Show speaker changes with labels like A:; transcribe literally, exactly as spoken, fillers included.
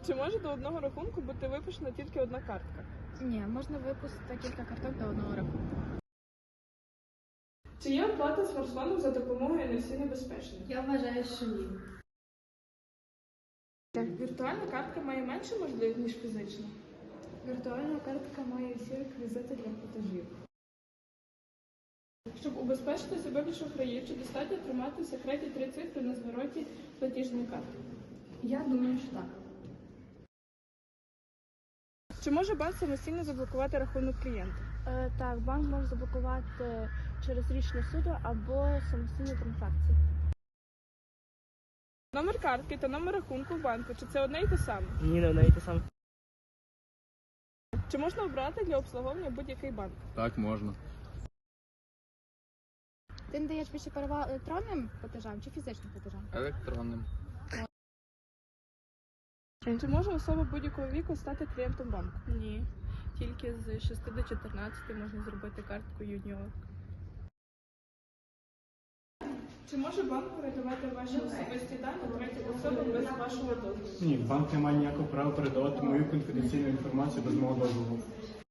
A: Чи може до одного рахунку бути випущена тільки одна картка?
B: Ні, можна випустити кілька карток до одного рахунку.
A: Чи є оплата смартфоном за допомогою ен еф сі небезпечна?
B: Я вважаю, що ні.
A: Віртуальна картка має менше можливість, ніж фізична?
B: Віртуальна картка має всі реквізити для платежів.
A: Щоб убезпечити себе від шахраїв, чи достатньо тримати в секреті три цифри на звороті платіжної карти?
B: Я думаю, що так.
A: Чи може банк самостійно заблокувати рахунок клієнта?
B: Е, так, банк може заблокувати через рішення суду або самостійні транзакції.
A: Номер картки та номер рахунку в банку, чи це одне й те саме?
C: Ні, не одне й те саме.
A: Чи можна обрати для обслуговування будь-який банк?
D: Так, можна.
B: Ти надаєш більше перевагу електронним платежам чи фізичним платежам?
D: Електронним.
A: Чи може особа будь-якого віку стати клієнтом банку?
E: Ні, тільки з шести до чотирнадцяти можна зробити картку юніор.
A: Чи може банк передавати ваші особисті дані третім особам без вашого дозволу?
F: Ні, банк не має ніякого права передавати мою конфіденційну інформацію без мого дозволу.